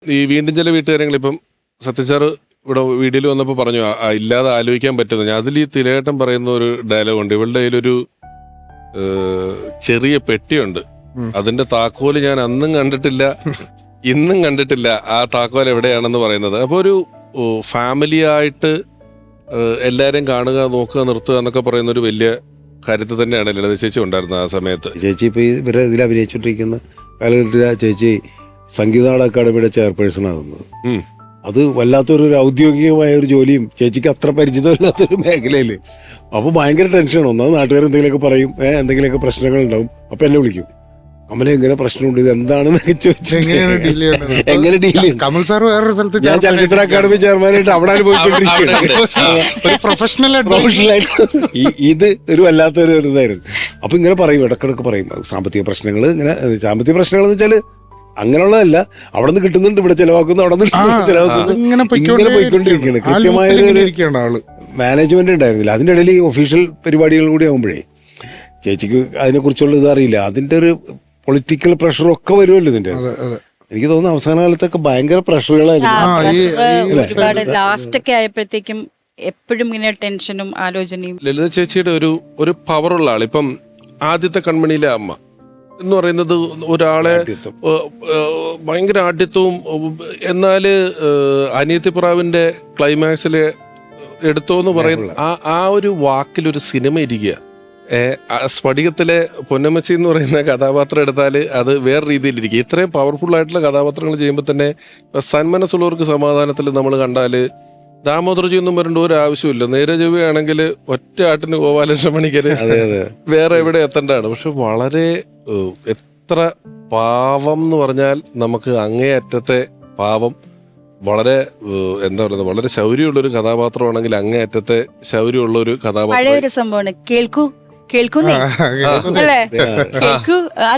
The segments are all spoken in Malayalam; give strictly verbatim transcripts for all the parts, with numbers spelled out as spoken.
ഈ വീണ്ടും ചില വീട്ടുകാര്യങ്ങൾ ഇപ്പം സത്യച്ചാറ് ഇവിടെ വീഡിയോയിൽ വന്നപ്പോൾ പറഞ്ഞു ഇല്ലാതെ ആലോചിക്കാൻ പറ്റുന്നത്. ഞാൻ അതിൽ ഈ തിലകേട്ടൻ പറയുന്ന ഒരു ഡയലോഗ് ഉണ്ട്. ഇവളുടെ കയ്യിലൊരു ചെറിയ പെട്ടിയുണ്ട്, അതിന്റെ താക്കോല് ഞാൻ അന്നും കണ്ടിട്ടില്ല ഇന്നും കണ്ടിട്ടില്ല, ആ താക്കോൽ എവിടെയാണെന്ന് പറയുന്നത്. അപ്പോൾ ഒരു ഫാമിലി ആയിട്ട് എല്ലാവരെയും കാണുക, നോക്കുക, നിർത്തുക എന്നൊക്കെ പറയുന്ന ഒരു വലിയ കാര്യത്തിൽ തന്നെയാണ് ലളിത ചേച്ചി ഉണ്ടായിരുന്നത് ആ സമയത്ത്. ചേച്ചി ഇപ്പോൾ ഇവരെ ഇതിൽ അഭിനയിച്ചുകൊണ്ടിരിക്കുന്ന കാലഘട്ടത്തിൽ ആ ചേച്ചി സംഗീത നാടക അക്കാദമിയുടെ ചെയർപേഴ്സൺ ആകുന്നത്. അത് വല്ലാത്തൊരു ഔദ്യോഗികമായ ഒരു ജോലിയും ചേച്ചിക്ക് അത്ര പരിചിതമില്ലാത്തൊരു മേഖലയിൽ. അപ്പോൾ ഭയങ്കര ടെൻഷനാണ്. ഒന്നാമത് നാട്ടുകാർ എന്തെങ്കിലുമൊക്കെ പറയും, ഏഹ് എന്തെങ്കിലുമൊക്കെ പ്രശ്നങ്ങൾ ഉണ്ടാവും. അപ്പം എന്നെ വിളിക്കും, കമല എങ്ങനെ പ്രശ്നമുണ്ട്, ഇത് എന്താണെന്നൊക്കെ ചോദിച്ചു എങ്ങനെ ഡീൽ ചെയ്യും. കമൽ സാർ വേറൊരു സ്ഥലത്ത് ഞാൻ ചലച്ചിത്ര അക്കാദമി ചെയർമാനായിട്ട് അവിടെ അനുഭവിച്ചുകൊണ്ടിരിക്കുകയാണ് പ്രൊഫഷണൽ പ്രൊഫഷണലായിട്ട്. ഇത് ഒരു വല്ലാത്തൊരു ഇതായിരുന്നു. അപ്പൊ ഇങ്ങനെ പറയും, ഇടക്കിടക്ക് പറയും സാമ്പത്തിക പ്രശ്നങ്ങൾ. ഇങ്ങനെ സാമ്പത്തിക പ്രശ്നങ്ങൾ എന്ന് വെച്ചാൽ അങ്ങനെയുള്ളതല്ല, അവിടെ നിന്ന് കിട്ടുന്നുണ്ട്, ഇവിടെ ചെലവാക്കുന്നു, അവിടെ നിന്ന് ചെലവാക്കുന്നു, ഇങ്ങനെ പോയിക്കൊണ്ടിരിക്കുകയാണ്. കൃത്യമായ മാനേജ്മെന്റ് ഉണ്ടായിരുന്നില്ല. അതിൻ്റെ ഇടയിൽ ഈ ഒഫീഷ്യൽ പരിപാടികൾ കൂടി ആകുമ്പോഴേ ചേച്ചിക്ക് അതിനെക്കുറിച്ചുള്ള ഇത് അറിയില്ല. അതിന്റെ ഒരു പൊളിറ്റിക്കൽ പ്രഷറൊക്കെ വരുമല്ലോ ഇതിന്റെ. എനിക്ക് തോന്നുന്നു അവസാന കാലത്തൊക്കെ ഭയങ്കര പ്രഷറുകളായിരുന്നു. ലാസ്റ്റ് ഒക്കെ ആയപ്പോഴത്തേക്കും എപ്പോഴും ഇങ്ങനെ ടെൻഷനും ആലോചനയും. ലളിത ചേച്ചിയുടെ ഒരു ഒരു പവറുള്ള ആൾ. ഇപ്പം ആദ്യത്തെ കൺമണിയിലെ അമ്മ എന്ന് പറയുന്നത് ഒരാളെ ഭയങ്കര ആഢ്യത്വവും, എന്നാല് അനിയത്തിപ്രാവിന്റെ ക്ലൈമാക്സില് എടുത്തോന്ന് പറയുന്ന ആ ആ ഒരു വാക്കിലൊരു സിനിമ ഇരിക്കുക. സ്ഫടികത്തിലെ പൊന്നമ്മച്ചി എന്ന് പറയുന്ന കഥാപാത്രം എടുത്താൽ അത് വേറെ രീതിയിലിരിക്കും. ഇത്രയും പവർഫുൾ ആയിട്ടുള്ള കഥാപാത്രങ്ങൾ ചെയ്യുമ്പോൾ തന്നെ സന്മനസ്സുള്ളവർക്ക് സമാധാനത്തിൽ നമ്മൾ കണ്ടാൽ ദാമോദർജി ഒന്നും വരേണ്ട ഒരു ആവശ്യമില്ല. നേരെ ചൊവ്വയാണെങ്കിൽ ഒറ്റ ആട്ടിന് ഗോപാലകൃഷ്ണ മണിക്കര് വേറെ എവിടെ എത്തേണ്ടതാണ്. പക്ഷെ വളരെ എത്ര പാവം എന്ന് പറഞ്ഞാൽ നമുക്ക് അങ്ങേയറ്റത്തെ പാവം, വളരെ എന്താ പറയുന്നത്, വളരെ ശൗര്യമുള്ളൊരു കഥാപാത്രമാണെങ്കിൽ അങ്ങേയറ്റത്തെ ശൗര്യമുള്ളൊരു കഥാപാത്രം. സംഭവമാണ് കേൾക്കൂ കേൾക്കുന്നേ അല്ലേ, കേൾക്കൂ.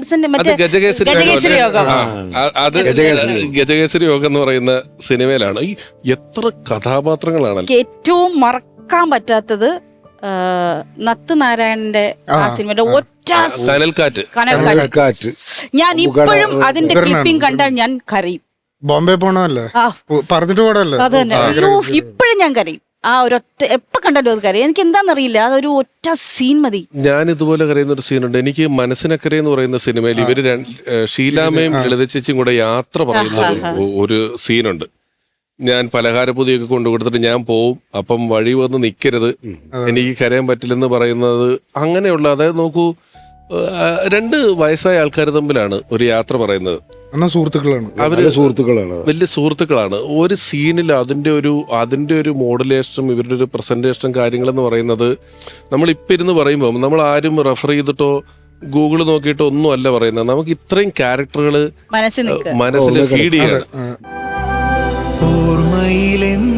ഗജകേസരി യോഗം, അത് ഗജകേസരി യോഗം എന്ന് പറയുന്ന സിനിമയിലാണ്. ഈ എത്ര കഥാപാത്രങ്ങളാണ്. ഏറ്റവും മറക്കാൻ പറ്റാത്തത് നത്ത് നാരായണന്റെ ആ സിനിമയുടെ ഒറ്റ കനൽക്കാറ്റ്. കനൽക്കാറ്റ് ഞാൻ ഇപ്പോഴും അതിന്റെ ക്ലിപ്പിംഗ് കണ്ടാൽ ഞാൻ കരയും. ബോംബെ പോണല്ലേ പറഞ്ഞിട്ട് പോടല്ലേ, അത് തന്നെ. ഇപ്പോഴും ഞാൻ കരയും. ആ ഒരൊറ്റ എപ്പോ കണ്ടാലും അത് കരയും. എനിക്ക് എന്താണെന്നറിയില്ല, അതൊരു ഒറ്റ സീൻ മതി. ഞാൻ ഇതുപോലെ കരയുന്ന ഒരു സീനുണ്ട്. എനിക്ക് മനസ്സിനക്കരെ എന്ന് പറയുന്ന സിനിമയിൽ ഇവര് ഷീലാമ്മയും ലളിത ചേച്ചിയും കൂടെ യാത്ര പറയുന്ന ഒരു സീനുണ്ട്. ഞാൻ പലഹാരപ്പൊതിയൊക്കെ കൊണ്ടു കൊടുത്തിട്ട് ഞാൻ പോവും, അപ്പം വഴി വന്ന് നിൽക്കരുത്, എനിക്ക് കരയാൻ പറ്റില്ലെന്ന് പറയുന്നത്. അങ്ങനെയുള്ള, അതായത് നോക്കൂ, രണ്ട് വയസ്സായ ആൾക്കാർ തമ്മിലാണ് ഒരു യാത്ര പറയുന്നത്. സുഹൃത്തുക്കളാണ് അവര് സുഹൃത്തുക്കളാണ് വലിയ സുഹൃത്തുക്കളാണ്. ഒരു സീനിൽ അതിന്റെ ഒരു അതിന്റെ ഒരു മോഡുലേഷനും ഇവരുടെ ഒരു പ്രസന്റേഷനും കാര്യങ്ങളെന്ന് പറയുന്നത് നമ്മൾ ഇപ്പം ഇരുന്ന് പറയുമ്പോൾ നമ്മൾ ആരും റെഫർ ചെയ്തിട്ടോ ഗൂഗിള് നോക്കിയിട്ടോ ഒന്നും അല്ല പറയുന്നത്. നമുക്ക് ഇത്രയും ക്യാരക്ടറുകൾ മനസ്സിൽ ഫീഡ് ചെയ്യണം.